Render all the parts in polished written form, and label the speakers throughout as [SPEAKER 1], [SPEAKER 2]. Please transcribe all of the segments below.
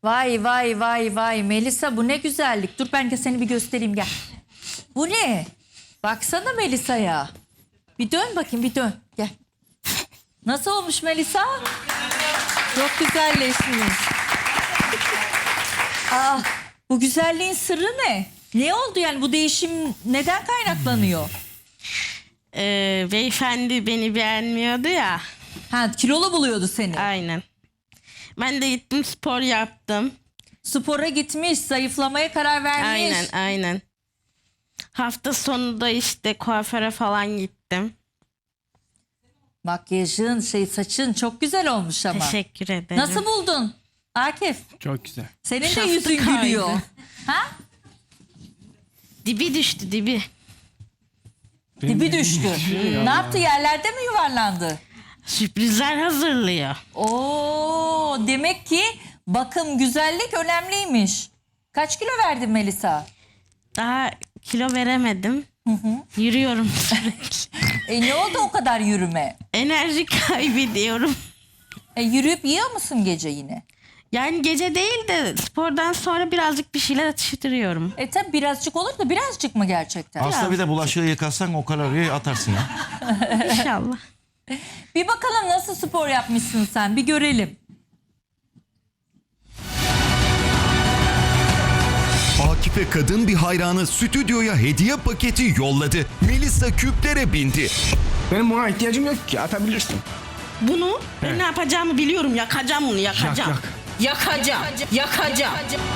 [SPEAKER 1] Vay vay vay vay Melisa, bu ne güzellik. Dur ben de seni bir göstereyim, gel. Bu ne? Baksana Melisa'ya. Bir dön bakayım, bir dön. Gel. Nasıl olmuş Melisa? Çok güzelleşmiş. Ah, bu güzelliğin sırrı ne? Ne oldu yani, bu değişim neden kaynaklanıyor?
[SPEAKER 2] Beyefendi beni beğenmiyordu ya.
[SPEAKER 1] Ha, kilolu buluyordu seni.
[SPEAKER 2] Aynen. Ben de gittim spor yaptım.
[SPEAKER 1] Spora gitmiş, zayıflamaya karar vermiş.
[SPEAKER 2] Aynen. Hafta sonu da işte kuaföre falan gittim.
[SPEAKER 1] Makyajın, saçın çok güzel olmuş ama.
[SPEAKER 2] Teşekkür ederim.
[SPEAKER 1] Nasıl buldun Akif?
[SPEAKER 3] Çok güzel.
[SPEAKER 1] Senin de
[SPEAKER 2] Şaftı
[SPEAKER 1] yüzün
[SPEAKER 2] kaydı.
[SPEAKER 1] gülüyor. Ha?
[SPEAKER 2] Dibi düştü dibi.
[SPEAKER 1] Dibi düştü. Ne yaptı, yerlerde mi yuvarlandı?
[SPEAKER 2] Sürprizler hazırlıyor.
[SPEAKER 1] Oo, demek ki bakım, güzellik önemliymiş. Kaç kilo verdin Melisa?
[SPEAKER 2] Daha kilo veremedim. Yürüyorum sürekli.
[SPEAKER 1] Ne oldu o kadar yürüme?
[SPEAKER 2] Enerji kaybediyorum.
[SPEAKER 1] Yürüyüp yiyor musun gece yine?
[SPEAKER 2] Yani gece değil de spordan sonra birazcık bir şeyler atıştırıyorum.
[SPEAKER 1] Tabi birazcık olur da, birazcık mı gerçekten?
[SPEAKER 4] Aslında bir de bulaşığı yıkasan o kaloriyi atarsın ya.
[SPEAKER 2] İnşallah.
[SPEAKER 1] Bir bakalım nasıl spor yapmışsın sen, bir görelim.
[SPEAKER 5] Akif'e kadın bir hayranı stüdyoya hediye paketi yolladı. Melisa küplere bindi.
[SPEAKER 3] Benim buna ihtiyacım yok ki, atabilirsin.
[SPEAKER 2] Bunu ben ne yapacağımı biliyorum. Yakacağım bunu, yakacağım. Yakacağım.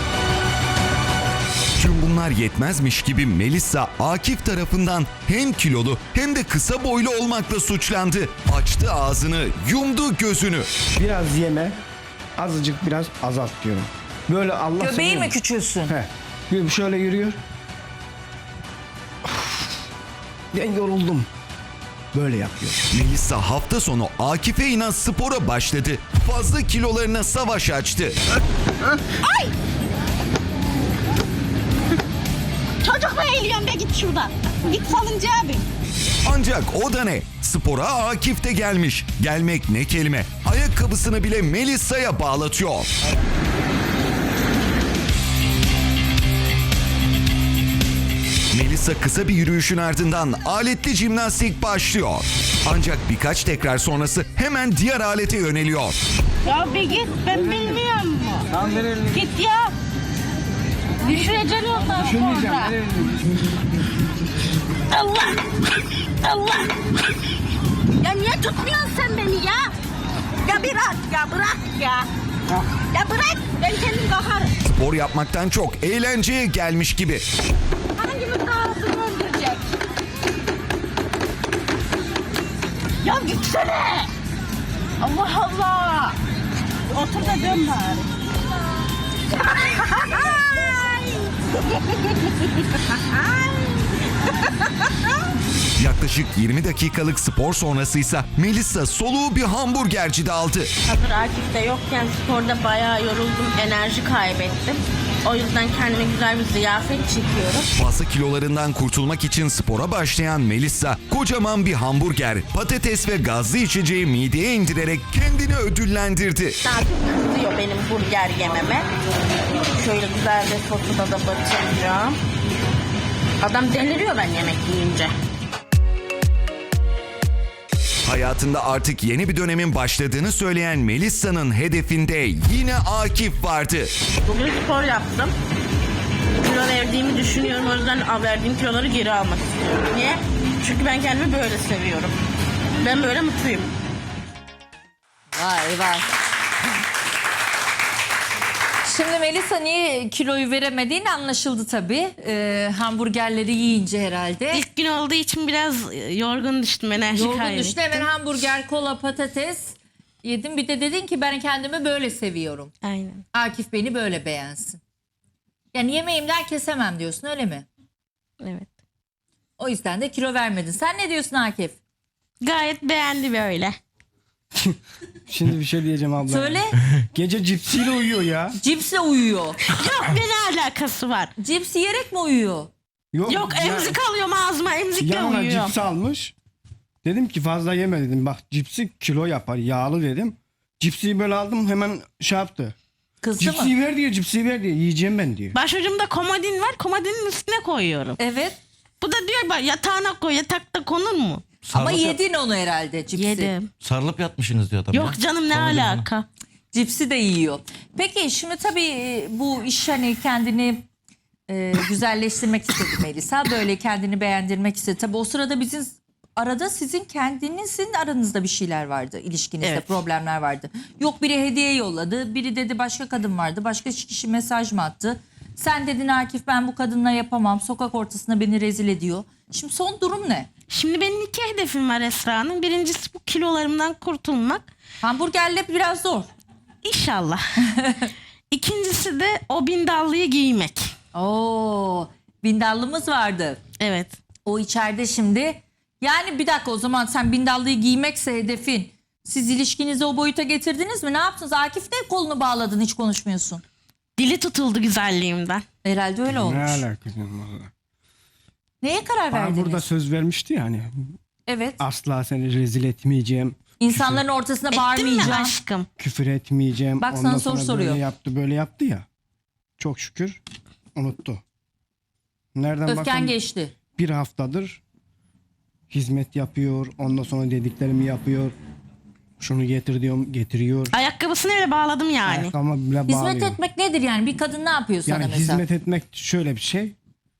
[SPEAKER 5] Tüm bunlar yetmezmiş gibi Melisa Akif tarafından hem kilolu hem de kısa boylu olmakla suçlandı. Açtı ağzını, yumdu gözünü.
[SPEAKER 3] Biraz yeme, azıcık biraz azalt diyorum. Böyle Allah
[SPEAKER 1] Göbeği
[SPEAKER 3] seviyor.
[SPEAKER 1] mi küçülsün?
[SPEAKER 3] Şöyle yürüyor. Ben yoruldum. Böyle yapıyor.
[SPEAKER 5] Melisa hafta sonu Akif'e inan spora başladı. Fazla kilolarına savaş açtı.
[SPEAKER 2] Çocuk mu eğiliyorsun be, git şuradan. Git salıncağa bir.
[SPEAKER 5] Ancak o da ne? Spora Akif de gelmiş. Gelmek ne kelime. Ayakkabısını bile Melisa'ya bağlatıyor. Melisa kısa bir yürüyüşün ardından aletli jimnastik başlıyor. Ancak birkaç tekrar sonrası hemen diğer alete yöneliyor.
[SPEAKER 2] Ya bir git, ben bilmiyorum. Git ya. Düşüreceksin ondan sonra. Allah. Ya niye tutmuyorsun sen beni ya? Ya bırak ya. Ya bırak, ben kendim kalkarım.
[SPEAKER 5] Spor yapmaktan çok eğlenceye gelmiş gibi.
[SPEAKER 2] Hangimiz daha hızlı öldürecek? Ya gitsene. Allah Allah. Otur da dön bari.
[SPEAKER 5] Yaklaşık 20 dakikalık spor sonrasıysa Melisa soluğu bir hamburgercide aldı.
[SPEAKER 2] Hazır Akif de yokken sporda bayağı yoruldum, enerji kaybettim. O yüzden kendime güzel bir ziyafet çekiyorum.
[SPEAKER 5] Fazla kilolarından kurtulmak için spora başlayan Melisa kocaman bir hamburger, patates ve gazlı içeceği mideye indirerek kendini ödüllendirdi.
[SPEAKER 2] Akif kızıyor benim burger yememe. Şöyle güzel bir sosuda da batıracağım. Adam deliriyor ben yemek yiyince.
[SPEAKER 5] Hayatında artık yeni bir dönemin başladığını söyleyen Melisa'nın hedefinde yine Akif vardı.
[SPEAKER 2] Bugün spor yaptım. Kilo verdiğimi düşünüyorum. O yüzden verdiğim kiloları geri almak istiyorum. Niye? Çünkü ben kendimi böyle seviyorum. Ben böyle mutluyum.
[SPEAKER 1] Vay. Şimdi Melisa niye kiloyu veremediğin anlaşıldı tabii. Hamburgerleri yiyince herhalde.
[SPEAKER 2] İlk gün olduğu için biraz yorgun düştüm. Enerji
[SPEAKER 1] Yorgun
[SPEAKER 2] kaybettim.
[SPEAKER 1] düştü, hemen hamburger, kola, patates yedim. Bir de dedin ki ben kendimi böyle seviyorum.
[SPEAKER 2] Aynen.
[SPEAKER 1] Akif beni böyle beğensin. Yani yemeğimden kesemem diyorsun, öyle mi?
[SPEAKER 2] Evet.
[SPEAKER 1] O yüzden de kilo vermedin. Sen ne diyorsun Akif?
[SPEAKER 2] Gayet beğendi böyle.
[SPEAKER 3] Şimdi bir şey diyeceğim abla.
[SPEAKER 1] Söyle.
[SPEAKER 3] Gece cipsiyle uyuyor ya.
[SPEAKER 1] Cipsle uyuyor.
[SPEAKER 2] Yok, ne alakası var?
[SPEAKER 1] Cips yiyerek mi uyuyor?
[SPEAKER 2] Yok, emzik alıyorum ağzıma, emzikle
[SPEAKER 3] Yanına
[SPEAKER 2] uyuyorum.
[SPEAKER 3] cips almış. Dedim ki fazla yeme dedim. Bak cipsi kilo yapar, yağlı dedim. Cipsi böyle aldım, hemen şey yaptı.
[SPEAKER 1] Kızdı mı?
[SPEAKER 3] Cipsi ver diyor, cipsi ver diyor. Yiyeceğim ben diyor.
[SPEAKER 2] Başucumda komodin var. Komodinin üstüne koyuyorum.
[SPEAKER 1] Evet.
[SPEAKER 2] Bu da diyor bak yatağına koy. Yatakta konur mu?
[SPEAKER 1] Ama
[SPEAKER 4] Sarılıp
[SPEAKER 1] yedin onu herhalde cipsi.
[SPEAKER 2] Yedim.
[SPEAKER 4] Sarılıp yatmışsınız diyor adam.
[SPEAKER 2] Yok
[SPEAKER 4] ya.
[SPEAKER 2] canım ne
[SPEAKER 4] Komedi falan.
[SPEAKER 2] alaka?
[SPEAKER 1] Cipsi de yiyor. Peki şimdi tabii bu iş hani kendini güzelleştirmek istedi Melisa. Böyle kendini beğendirmek istedi. Tabii o sırada arada sizin kendinizin aranızda bir şeyler vardı. İlişkinizde
[SPEAKER 2] Evet.
[SPEAKER 1] problemler vardı. Yok biri hediye yolladı. Biri dedi başka kadın vardı. Başka kişi mesaj mı attı? Sen dedin Akif ben bu kadınla yapamam. Sokak ortasında beni rezil ediyor. Şimdi son durum ne?
[SPEAKER 2] Şimdi benim 2 hedefim var Esra Hanım. Birincisi bu kilolarımdan kurtulmak.
[SPEAKER 1] Hamburgerle biraz zor.
[SPEAKER 2] İnşallah. İkincisi de o bindallıyı giymek.
[SPEAKER 1] Oo, bindallımız vardı.
[SPEAKER 2] Evet.
[SPEAKER 1] O içeride şimdi. Yani bir dakika o zaman sen bindallıyı giymekse hedefin. Siz ilişkinizi o boyuta getirdiniz mi? Ne yaptınız? Akif ne kolunu bağladın hiç konuşmuyorsun.
[SPEAKER 2] Dili tutuldu güzelliğimden.
[SPEAKER 1] Herhalde öyle
[SPEAKER 3] Ne
[SPEAKER 1] olmuş.
[SPEAKER 3] alakası var?
[SPEAKER 1] Neye karar
[SPEAKER 3] Bana
[SPEAKER 1] verdiniz?
[SPEAKER 3] burada söz vermişti ya hani.
[SPEAKER 1] Evet.
[SPEAKER 3] Asla seni rezil etmeyeceğim.
[SPEAKER 1] İnsanların ortasına
[SPEAKER 2] Ettin mi
[SPEAKER 1] bağırmayacağım.
[SPEAKER 2] aşkım?
[SPEAKER 3] Küfür etmeyeceğim.
[SPEAKER 1] Bak sana
[SPEAKER 3] Ondan
[SPEAKER 1] soru
[SPEAKER 3] sonra
[SPEAKER 1] soruyor.
[SPEAKER 3] Böyle yaptı ya. Çok şükür unuttu. Nereden
[SPEAKER 1] Öfken
[SPEAKER 3] baksan
[SPEAKER 1] geçti.
[SPEAKER 3] bir haftadır hizmet yapıyor. Ondan sonra dediklerimi yapıyor. Şunu getir diyorum getiriyor.
[SPEAKER 2] Ayakkabısını öyle bağladım yani.
[SPEAKER 3] Ayakkabıma bile
[SPEAKER 1] Hizmet
[SPEAKER 3] bağlıyor.
[SPEAKER 1] etmek nedir yani? Bir kadın ne yapıyor sana
[SPEAKER 3] Yani
[SPEAKER 1] mesela?
[SPEAKER 3] hizmet etmek şöyle bir şey.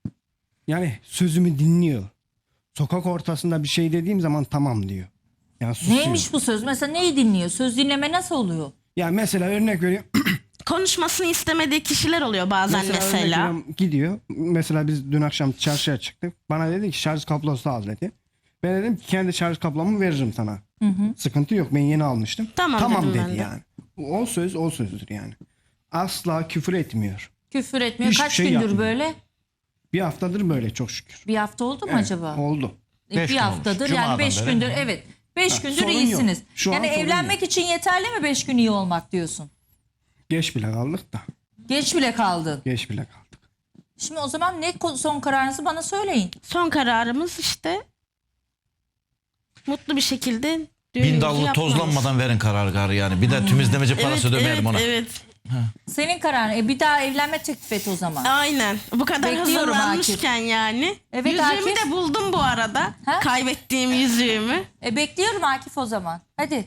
[SPEAKER 3] Yani sözümü dinliyor. Sokak ortasında bir şey dediğim zaman tamam diyor. Yani susuyor.
[SPEAKER 1] Neymiş bu söz? Mesela neyi dinliyor? Söz dinleme nasıl oluyor?
[SPEAKER 3] Yani mesela örnek veriyorum.
[SPEAKER 2] Konuşmasını istemediği kişiler oluyor bazen
[SPEAKER 3] örnek
[SPEAKER 2] mesela.
[SPEAKER 3] veriyorum, gidiyor. Mesela biz dün akşam çarşıya çıktık. Bana dedi ki şarj kablosu al dedi. Ben dedim ki kendi şarj kablomu veririm sana. Sıkıntı yok ben yeni almıştım.
[SPEAKER 2] Tamam dedim ben
[SPEAKER 3] dedi
[SPEAKER 2] de.
[SPEAKER 3] yani. O söz o sözdür yani. Asla küfür etmiyor.
[SPEAKER 1] Küfür etmiyor.
[SPEAKER 3] Hiçbir
[SPEAKER 1] Kaç
[SPEAKER 3] şey
[SPEAKER 1] gündür
[SPEAKER 3] yapmıyor.
[SPEAKER 1] böyle?
[SPEAKER 3] Bir haftadır böyle çok şükür.
[SPEAKER 1] Bir hafta oldu mu
[SPEAKER 3] Evet,
[SPEAKER 1] acaba?
[SPEAKER 3] Oldu.
[SPEAKER 4] Beş
[SPEAKER 1] Bir
[SPEAKER 4] gün
[SPEAKER 1] haftadır
[SPEAKER 4] olmuş.
[SPEAKER 1] yani
[SPEAKER 4] Cuma'dan
[SPEAKER 1] 5
[SPEAKER 4] beri.
[SPEAKER 1] gündür evet. 5 gündür
[SPEAKER 3] sorun yok.
[SPEAKER 1] iyisiniz.
[SPEAKER 3] Şu an
[SPEAKER 1] Yani
[SPEAKER 3] sorun
[SPEAKER 1] evlenmek için yeterli mi 5 gün iyi olmak diyorsun?
[SPEAKER 3] Geç bile kaldık da.
[SPEAKER 1] Geç bile kaldın.
[SPEAKER 3] Geç bile kaldık.
[SPEAKER 1] Şimdi o zaman ne son kararınızı bana söyleyin.
[SPEAKER 2] Son kararımız işte mutlu bir şekilde düğünümüzü
[SPEAKER 4] Bindallı
[SPEAKER 2] yapmamız.
[SPEAKER 4] tozlanmadan verin kararı yani. Bir de tümizlemeci parası
[SPEAKER 2] Evet,
[SPEAKER 4] dömeyelim ona.
[SPEAKER 2] Evet.
[SPEAKER 1] Senin kararın. Bir daha evlenme teklif et o zaman.
[SPEAKER 2] Aynen. Bu kadar
[SPEAKER 1] Bekliyorum
[SPEAKER 2] hazırlanmışken yani.
[SPEAKER 1] Evet,
[SPEAKER 2] Yüzüğümü
[SPEAKER 1] Akif.
[SPEAKER 2] de buldum bu arada.
[SPEAKER 1] Ha?
[SPEAKER 2] Kaybettiğim yüzüğümü.
[SPEAKER 1] Bekliyorum Akif o zaman. Hadi.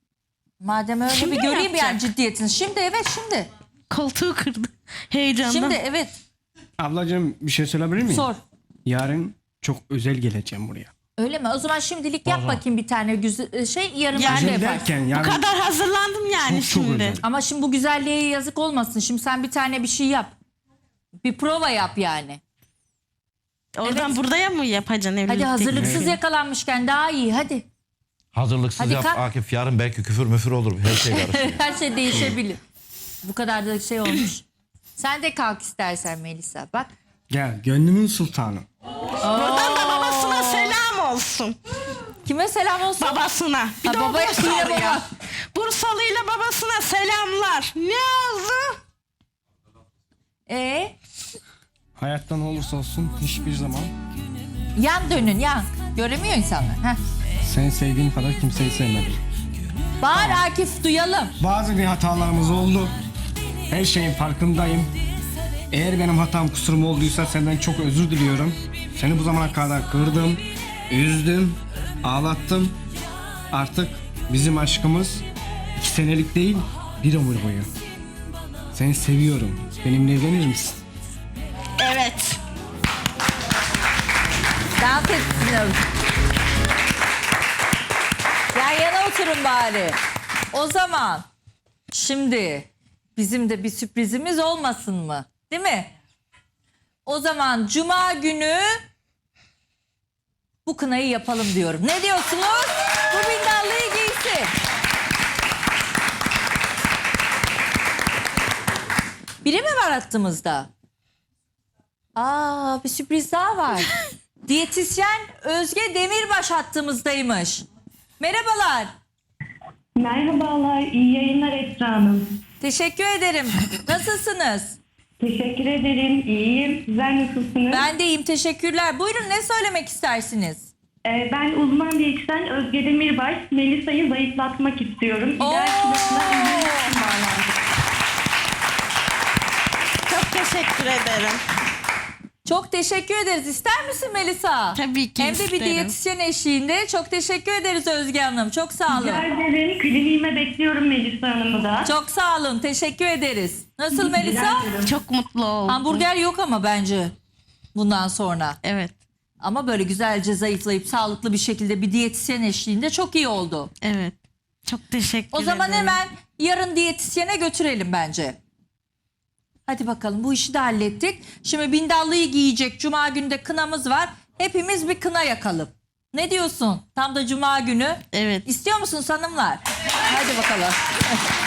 [SPEAKER 1] Madem öyle
[SPEAKER 2] Şimdi
[SPEAKER 1] bir
[SPEAKER 2] mi
[SPEAKER 1] göreyim yani
[SPEAKER 2] yapacak?
[SPEAKER 1] ciddiyetini. Şimdi evet şimdi.
[SPEAKER 2] Koltuğu kırdı. Heyecandan.
[SPEAKER 1] Şimdi evet.
[SPEAKER 3] Ablacığım bir şey söyleyebilir miyim?
[SPEAKER 1] Sor.
[SPEAKER 3] Yarın çok özel geleceğim buraya.
[SPEAKER 1] Öyle mi? O zaman şimdilik yap bakayım bir tane güzel şey yarın
[SPEAKER 2] Yani-
[SPEAKER 1] başka
[SPEAKER 3] Özel
[SPEAKER 1] yaparsın.
[SPEAKER 3] derken
[SPEAKER 2] Bu
[SPEAKER 3] yani
[SPEAKER 2] kadar hazırlandım yani
[SPEAKER 3] çok
[SPEAKER 2] şimdi.
[SPEAKER 3] özel.
[SPEAKER 1] Ama şimdi bu güzelliğe yazık olmasın. Şimdi sen bir tane bir şey yap. Bir prova yap yani.
[SPEAKER 2] Oradan
[SPEAKER 1] Evet.
[SPEAKER 2] buraya mı yapacaksın evlilik
[SPEAKER 1] Hadi hazırlıksız
[SPEAKER 2] teklifi?
[SPEAKER 1] yakalanmışken daha iyi hadi.
[SPEAKER 4] Hazırlıksız
[SPEAKER 1] Hadi
[SPEAKER 4] yap
[SPEAKER 1] kalk.
[SPEAKER 4] Akif. Yarın belki küfür müfür olur. Her şey karışıyor.
[SPEAKER 1] Her şey değişebilir. Bu kadar da şey olmuş. Sen de kalk istersen Melisa. Bak.
[SPEAKER 3] Gel gönlümün sultanı.
[SPEAKER 2] Buradan da babasına selam olsun.
[SPEAKER 1] Kime selam olsun?
[SPEAKER 2] Babasına. Bir
[SPEAKER 1] Ha,
[SPEAKER 2] de o
[SPEAKER 1] babaya yine
[SPEAKER 2] Bursalı'ya.
[SPEAKER 1] baba.
[SPEAKER 2] Bursalı'yla babasına selamlar. Ne oldu?
[SPEAKER 3] Hayattan olursa olsun hiçbir zaman
[SPEAKER 1] Yan dönün yan. Göremiyor insanlar. Heh.
[SPEAKER 3] seni sevdiğim kadar kimseyi sevmedim.
[SPEAKER 1] Bağır Akif duyalım.
[SPEAKER 3] Bazı bir hatalarımız oldu. Her şeyin farkındayım. Eğer benim hatam kusurum olduysa senden çok özür diliyorum. Seni bu zamana kadar kırdım, üzdüm, ağlattım. Artık bizim aşkımız 2 senelik değil, bir ömür boyu. Seni seviyorum. Benimle evlenir misin?
[SPEAKER 2] Evet.
[SPEAKER 1] Dans etsin. Yan yana oturun bari. O zaman şimdi bizim de bir sürprizimiz olmasın mı? Değil mi? O zaman cuma günü bu kınayı yapalım diyorum. Ne diyorsunuz? Bu bindallıyı giysin. Biri mi var hattımızda? Bir sürpriz daha var. Diyetisyen Özge Demirbaş hattımızdaymış. Merhabalar.
[SPEAKER 6] Merhabalar, iyi yayınlar Esra Hanım.
[SPEAKER 1] Teşekkür ederim. Nasılsınız?
[SPEAKER 6] Teşekkür ederim, iyiyim. Sizler nasılsınız?
[SPEAKER 1] Ben de iyiyim, teşekkürler. Buyurun ne söylemek istersiniz?
[SPEAKER 6] Ben uzman diyetisyen Özge Demirbaş. Melisa'yı zayıflatmak istiyorum.
[SPEAKER 1] Oo!
[SPEAKER 6] İdeal kilosuna indirmek için bağlandım.
[SPEAKER 2] teşekkür ederim.
[SPEAKER 1] Çok teşekkür ederiz. İster misin Melisa?
[SPEAKER 2] Tabii ki
[SPEAKER 1] Hem de bir
[SPEAKER 2] isterim.
[SPEAKER 1] diyetisyen eşliğinde. Çok teşekkür ederiz Özge Hanım. Çok sağ olun.
[SPEAKER 6] Rica ederim. Kliniğime bekliyorum Melisa Hanım'ı da.
[SPEAKER 1] Çok sağ olun. Teşekkür ederiz. Nasıl Melisa?
[SPEAKER 6] Rica ederim.
[SPEAKER 2] Çok mutlu oldum.
[SPEAKER 1] Hamburger yok ama bence bundan sonra.
[SPEAKER 2] Evet.
[SPEAKER 1] Ama böyle güzelce zayıflayıp sağlıklı bir şekilde bir diyetisyen eşliğinde çok iyi oldu.
[SPEAKER 2] Evet. Çok teşekkür
[SPEAKER 1] O
[SPEAKER 2] ederim.
[SPEAKER 1] zaman hemen yarın diyetisyene götürelim bence. Hadi bakalım, bu işi de hallettik. Şimdi bindallıyı giyecek. Cuma günü de kınamız var. Hepimiz bir kına yakalım. Ne diyorsun? Tam da cuma günü.
[SPEAKER 2] Evet.
[SPEAKER 1] İstiyor musunuz hanımlar? Hadi bakalım.